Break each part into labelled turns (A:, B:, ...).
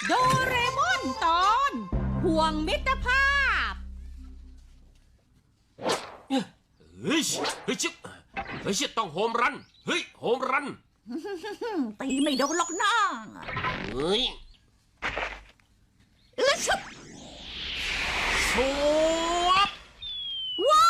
A: โดเรมอนตอนห่วงมิตรภาพ
B: เฮ้ยเฮ้ยชิบเฮ้ยชิบต้องโฮมรันเฮ้ยโฮมรัน
C: ตีไม่โดนหรอกนะ
B: เฮ้ย
C: ชุบ
B: สวบ
C: ว้า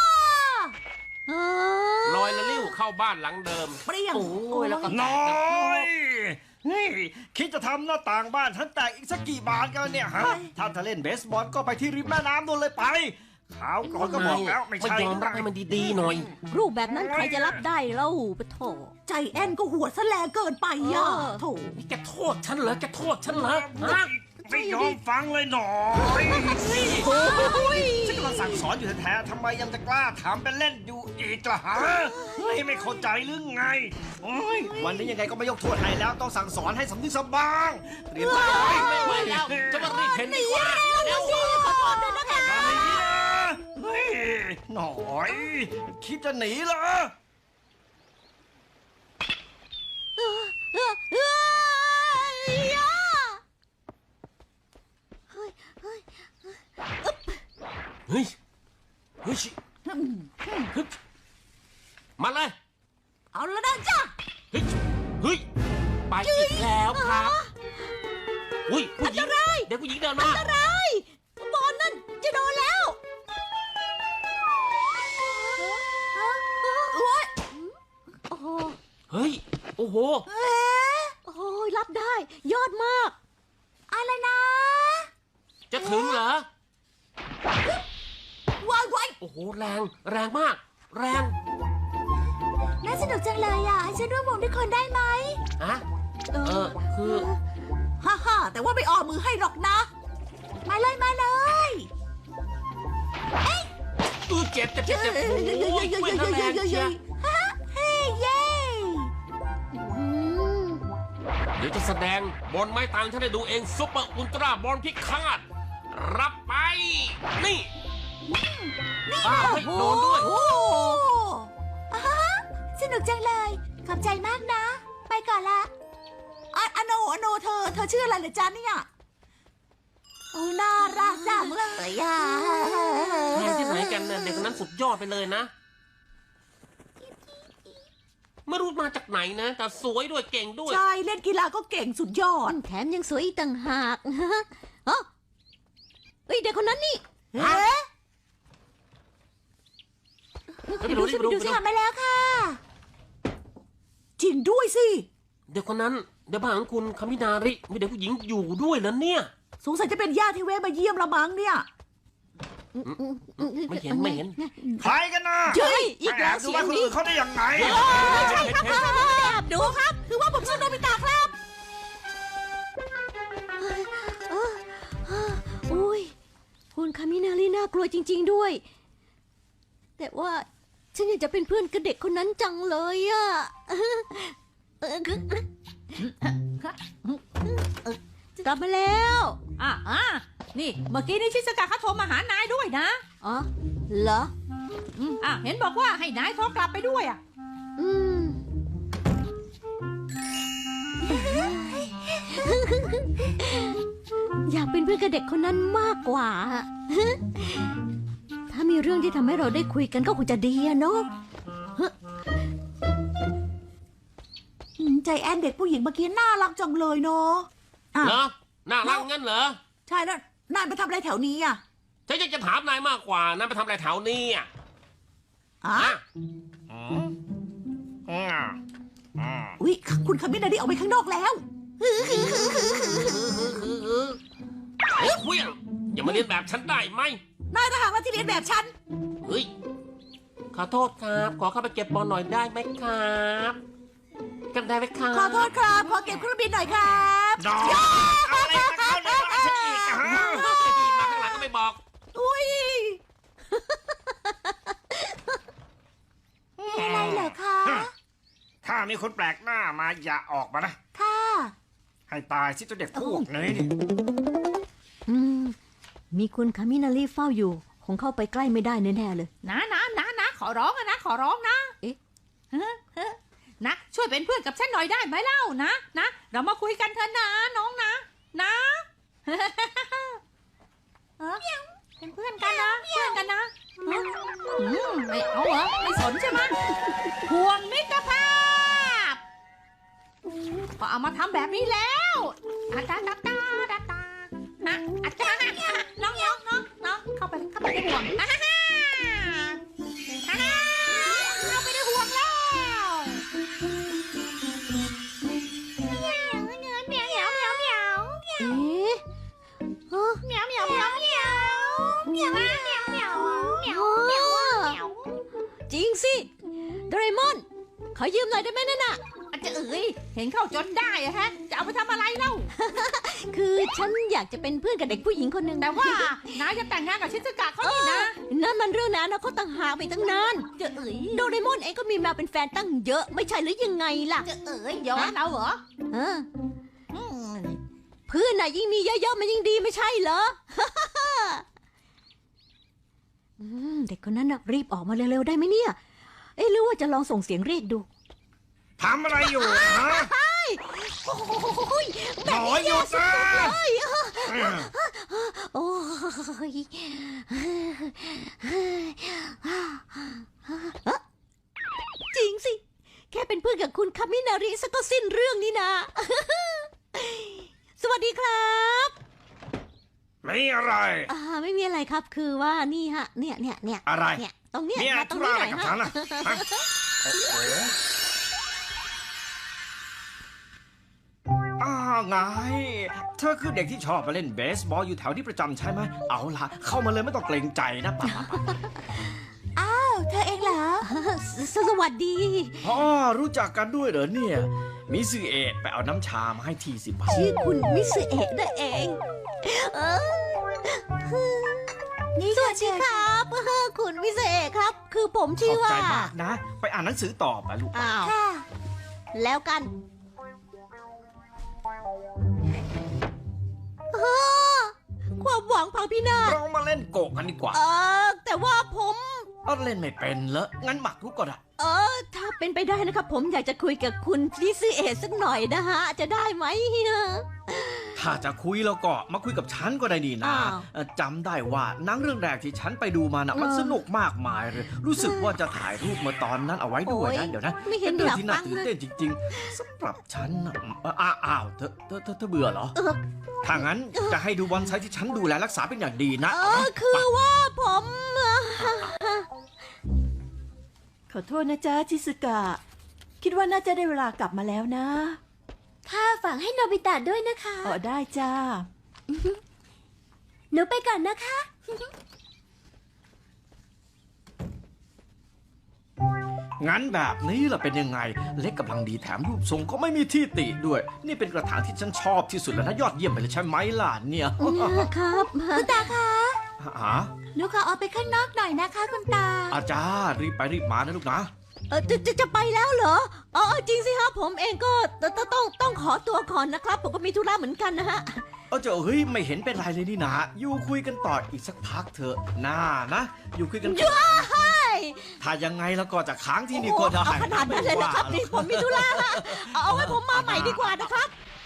B: ลอยละลิ้วเข้าบ้านหลังเดิม
C: เปรี้ยง
B: โอ้ยแล้วก็แต
D: น้
B: ก
D: อยนี่คิดจะทำหน้าต่างบ้านฉันแตกอีกสักกี่บาทกันเนี่ยฮะถ้าจะเล่นเบสบอลก็ไปที่ริมแม่น้ำนู่นเลยไปขาวก่อนก็บอกแล้วไม่ใช่
B: ยอมรับให้มันดีๆหน่อย
E: รูปแบบนั้นใครจะรับได้เล่าปะโถ
C: ใจแอนก็หัวซะแลเกินไปอ่ะโถ
B: นี่แกโทษฉันเหรอแกโทษฉันเหรอฮะ
D: ไม่ยอมฟังเลยหน่อยฉันกำลังสั่งสอนอยู่แท้ๆทำไมยังจะกล้าถามเป็นเล่นอยู่อีกล่ะฮะเฮ้ยไม่เข้าใจหรือไงโอ้ยวันนี้ยังไงก็ไม่ยกโทษให้แล้วต้องสั่งสอนให้สำนึกสำบ้างเรียนไป
B: ไม่ไหวแล้วจะมารีบเห็นดีกว่าเร็ว
C: ขอโทษด้วยนะคะ
D: เฮ้ยหน่อยคิดจะหนีเหรอ
B: เฮ้ยเฮ้ยชิฮึบมาเลย
C: เอาละนะจ้ะ
B: เฮ้ยเฮ้ยไปอีกแล้วครับอุ้ยผู้หญิงเด็กผู้หญิงเดินมา
C: อะไรบอลนั่นจะโดนแล้วโอ้ย
E: โอ้โห
B: เฮ้ยโอ้โห
C: เอ๊ะ
E: โอ้ยรับได้ ยอดมาก
C: อะไรนะ
B: จะถึงเหรอ
C: วายวาย
B: โอ้โหแรงแรงมาก แรง
C: น่าสนุกจังเลยอ่ะให้ฉันร่วมวงด้วยคนได้ไหม
B: อะคือ
C: ฮ่าฮ่าแต่ว่าไม่ออกมือให้หรอกนะ มาเลยมาเลย
B: เจ็บโอ้ยช่วยทำแรงเชียร์
C: ฮ่าเฮ้เย่
B: เดี๋ยวจะแสดงบอลไม้ตังฉันได้ดูเองซุปเปอร์อุลตร้าบอลพิฆาตรับไป นี่อ้าวเฮ้ยโดนด้วย
C: โอ้อ่าฮะสนุกจังเลย ขอบใจมากนะ ไปก่อนละอโนเธอชื่ออะไรเหรอจ๊ะเนี่ยโอ้น่ารักจังเลยอ่ะ
B: แรงที่ไหนกันเนี่ยเด็กคนนั้นสุดยอดไปเลยนะ ไม่รู้มาจากไหนนะ แต่สวยด้วยเก่งด้วย
C: ใช่เล่นกีฬาก็เก่งสุดยอด
E: แถมยังสวยอีกต่างหากเอ้าเฮ้ยเด็กคนนั้นนี่
C: เอ๊ะ
B: ไปดูดิไปดู
C: ทำไปแล้วค่ะ จริงด้วยสิ
B: เด็กคนนั้นเดี๋ยวบ้านของคุณคามินาริมีเด็กผู้หญิงอยู่ด้วยแล้วเนี่ย
C: สงสัยจะเป็นญาติที่แวะมาเยี่ยมละมั้งเนี่ย
B: ไม่เห็น
D: ใครกันนะ
C: เฮ้ย
D: อีกแล้วดูว่าคนอื่นเขาได้ยังไง
C: ใช่ครับแอบดูครับ คือว่าผมชื่อโนบิตะครับ
E: อุ้ยคุณคามินารีน่ากลัวจริง ๆด้วย แต่ว่าฉันอยากจะเป็นเพื่อนกับเด็กคนนั้นจังเลยอะกลับมาแล้ว
A: นี่เมื่อกี้นี่ชิสกาเขาโทรมาหานายด้วยนะ
E: อ๋อเหรอ
A: เห็นบอกว่าให้นายโทรกลับไปด้วยอ่ะ
E: อืม อยากเป็นเพื่อนกับเด็กคนนั้นมากกว่า ถ้ามีเรื่องที่ทำให้เราได้คุยกันก็คงจะดีอะเนาะ
C: ใจแอนเด็กผู้หญิงเมื่อกี้น่ารักจังเลยเนาะอ่ะ
B: เหรอน่ารักงั้นเหรอ
C: ใช่แล้วนายไปทำอะไรแถวนี้อ่ะ
B: ฉันอยากจะถามนายมากกว่านายไปทำอะไรแถวนี้อ่ะ
C: อ่ะ
B: ฮะ
C: อุ๊ยคุณคามินาดิออกไปข้างนอกแล้ว
B: เฮ้ยเวียงอย่ามาเรียนแบบฉันได้ไหม
C: นายทหารมาที่เรียนแบบฉัน
B: เฮ้ยขอโทษครับ ขอเข้าไปเก็บบอลหน่อยได้ไหมครับกันได้ไหมครับ
C: ขอโทษครับ ขอเก็บเครื่องบินหน่อยครับ
D: น้อยเอาอะไรมาเข้าในบ้านฉันอีกอะฮะ
B: มาข้างหลังก็ไม่บอก
C: อุ้ยอะไรเหรอคะ
D: ถ้ามีคนแปลกหน้ามาอย่าออกมานะ
C: ค่ะ
D: ให้ตายสิตัวเด็กพวกนี้นี่
E: อืม มีคุณคามินารีเฝ้าอยู่ คงเข้าไปใกล้ไม่ได้แน่ๆเลย
A: นะขอร้องนะ ขอร้องนะ
E: เอ๊ะ
A: นะช่วยเป็นเพื่อนกับฉันหน่อยได้ไหมเล่านะ เรามาคุยกันเถอะนะน้องนะเป็นเพื่อนกันนะเพื่อนกันนะไม่เอาเหรอไม่สนใช่ไหมห่วงมิตรภาพก็เอามาทำแบบนี้แล้วอาตาตาตาตาตาฮะอาจารย์น้องเข้าไปในห่วงเข้าไปในห่วงแล้วเหมียวเหมียวเหมียวเหมียว
E: เอ๊ะฮะ
A: เหมียวเหมียวเหมียวเหมียวเหมียวเหมียวเหมียวเหมียวเหมียวเหมียวเหมียว
E: จริงสิโดเรมอนขอยืมหน่อยได้ไหมนั่นน่ะ
A: อาจจะเห็นเข้าจนได้อะฮะจะเอาไปทำอะไรเล่า
E: คือฉันอยากจะเป็นเพื่อนกับเด็กผู้หญิงคนหนึ่ง
A: แต่ว่านายจะแต่งงานกับชิซุกะเขานี่นะ
E: นั่นมันเรื่องนั้นนะเขาต่างหากไปตั้งนาน
A: จะ
E: โดเรมอนเองก็มีแมวเป็นแฟนตั้งเยอะไม่ใช่หรือยังไงล่ะ
A: จะย้อนเราเหรอ
E: เออเพื่อนน่ะยิ่งมีเยอะๆมันยิ่งดีไม่ใช่เหรอ เด็กคนนั้นน่ะรีบออกมาเร็วๆได้ไหมเนี่ย เอ๊ะหรือว่าจะลองส่งเสียงเรียกดู
D: ทำอะไรอยู่ฮะ
E: โอ้ยแบ
D: ห
E: บ
D: น่อ
E: นี้
D: ยหยุดนะ
E: โอ้ยจริงสิ แค่เป็นเพื่อนกับคุณคามินาริซะก็สิ้นเรื่องนี่นะ สวัสดีครับ
D: ไม่อะไร
E: ไม่มีอะไรครับคือว่านี่ฮะเนี่ย
D: อะไร
E: เนี่ยตรงเนี้ย
D: เนี่ย
E: มาตร
D: ธุ
E: ง
D: ระ
E: นี้
D: อะไร
E: หน่อย
D: กับ
E: ฮะ
D: ฉันล่ะฮะไงเธอคือเด็กที่ชอบมาเล่นเบสบอลอยู่แถวที่ประจำใช่ไหมเอาล่ะเข้ามาเลยไม่ต้องเกรงใจนะป่ะ
C: อ้าวเธอเองเหรอ
E: สวัสดี
D: อ๋อรู้จักกันด้วยเหรอเนี่ยมิซึเอะไปเอาน้ำชามาให้ทีสิบาท
E: ชื่อคุณมิสเอะนั่นเอง
C: นี่
E: สวัสดีครับคุณมิสเอะครับ คือผม
D: ข
E: ชื่อ
D: อบ
E: ว่า
D: ใจมากนะ ไปอ่านหนังสือต่อไปลูก
E: อ้าว
C: ค่ะ
E: แล้วกันความหวังพังพินาศ
D: เรามาเล่นโกะกันดีกว่า
E: แต่ว่าผม
D: เอาเล่นไม่เป็นเหรองั้นหมักรุกก็ได้
E: ถ้าเป็นไปได้นะครับ ผมอยากจะคุยกับคุณมิสเอะสักหน่อยนะฮะ จะได้ไหม
D: ถ้าจะคุยแล้วก็มาคุยกับฉันก็ได้ดีนะ
E: อ้าว
D: จำได้ว่าหนังเรื่องแรกที่ฉันไปดูมานะมันสนุกมากมายเลย รู้สึกว่าจะถ่ายรูปมาตอนนั้นเอาไว้ด้วยนะ เดี๋ยวนะ
E: ไม่เห็น
D: เป็น
E: อ
D: เรื่อง
E: ยาก
D: ที่
E: ฟั
D: น่าง ตื่น
E: เลย
D: เต้นจริง ๆสำหรับฉันนะอ้าวเธอเบื่อเหรอ ถ้างั้นจะให้ดูบอนไซที่ฉันดูแลรักษาเป็นอย่างดีนะเอาไหม
E: คือว่าผม
F: ขอโทษนะจ๊ะชิสุกะ คิดว่าน่าจะได้เวลากลับมาแล้วนะ
E: ค่ะฝากให้โนบิตะด้วยนะคะ
F: อ๋อได้จ้า
E: หนูไปก่อนนะคะ
D: งั้นแบบนี้ล่ะเป็นยังไง เล็กกำลังดีแถมรูปทรงก็ไม่มีที่ติด้วย นี่เป็นกระถางที่ฉันชอบที่สุดแล้วนะยอดเยี่ยมไปเลยใช่ไหมล่ะเนี่ย
E: ครับ
C: คุณตาคะ
D: หา
C: หนูขอออกไปข้างนอกหน่อยนะคะคุณตา
D: อาจารย์รีบไปรีบมานะลูกนะ
E: จะไปแล้วเหรอจริงสิครับผมเองก็ต้องขอตัวก่อนนะครับ ผมก็มีธุระเหมือนกันนะฮะ
D: เฮ้ยไม่เห็นเป็นไรเลยนี่นะอยู่คุยกันต่ออีกสักพักเถอะน่านะอยู่คุยกันต่อถ้ายังไงแล้วก็จะค้างที่นี่ก็ได้
E: เอาขนาดนั้นเลยนะครับนี่ผมมีธุระฮะเอาไว้ผมมาใหม่ดีกว่านะครับ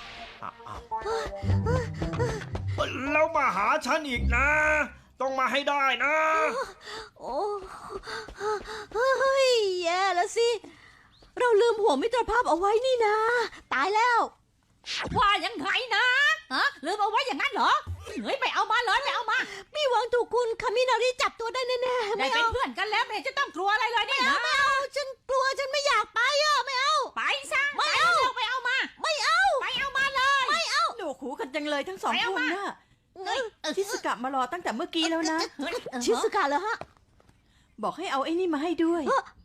D: แล้วมาหาฉันอีกนะ ต้องมาให้ได้นะ
E: โอ้เฮ้ยแย่แล้วสิ เราลืมห่วงมิตรภาพเอาไว้นี่นะ ตายแล้ว
A: ว่ายังไงนะลืมเอาไว้อย่างนั้นเหรอเฮ้ยไปเอามาเลยไปเอามา
E: มีหวังถูกคุณคามินาริจับตัวได้แน่ๆ
A: ได้
E: ไม่
A: เป็น
E: เอา
A: เพื่อนกันแล้วไม่เห็นจะต้องกลัวอะไรเลยนี่นะ
E: ไม่เอาฉันกลัวฉันไม่อยากไปไม่เอา
A: ไปซะ
E: ไม่เอา
A: ไปเอามา
E: ไม่เอา
A: ไปเอามาเลย
E: ไม่เอา
F: หนูหูกันจังเลยทั้งสอง
A: ไปเอา
F: คน
A: มา
F: น่ะชิสุกะมารอตั้งแต่เมื่อกี้แล้วนะ
E: ชิสุกะเหรอฮะ
F: บอกให้เอาไอ้นี่มาให้ด้วย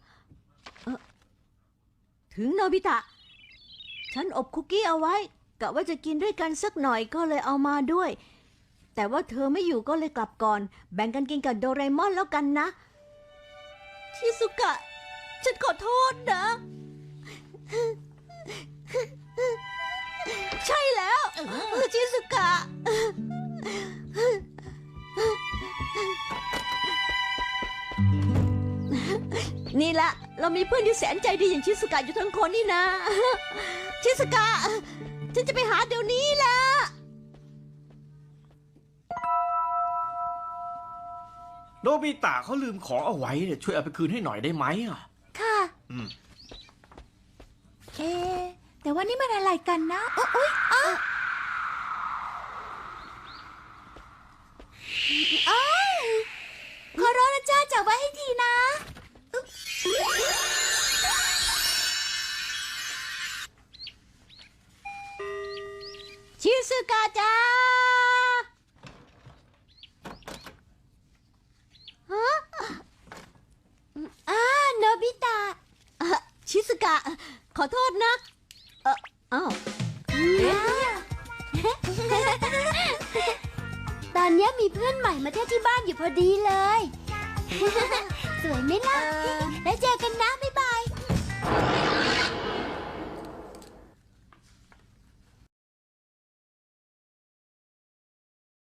E: ถึงโนบิตะ ฉันอบคุกกี้เอาไว้กะว่าจะกินด้วยกันสักหน่อยก็เลยเอามาด้วย แต่ว่าเธอไม่อยู่ก็เลยกลับก่อน แบ่งกันกินกับโดเรมอนแล้วกันนะ ชิสุกะ ฉันขอโทษนะ ใช่แล้วชิสุกะ นี่ละเรามีเพื่อนที่แสนใจดีอย่างชิสุกะอยู่ทั้งคนนี่นะ ชิสุกะ ฉันจะไปหาเดี๋ยวนี้ละ
G: โนบิตะเขาลืมของเอาไว้เนี่ยช่วยเอาไปคืนให้หน่อยได้ไหมอ่ะ
C: ค่ะ
G: อืม
C: แต่ว่านี่มันอะไรกันนะอุ๊ยอ้าวขอร้องนะจ้าจับไว้ให้ทีนะอุ๊ย
E: ชิซึกะจ้าฮะ
C: โนบิตะ
E: ชิซึกะ ขอโทษนะอ้าว
C: ตอนนี้มีเพื่อนใหม่มาเที่ยวที่บ้านอยู่พอดีเลย สวยไหมล่ะ แล้วเจอกันนะ บ๊าย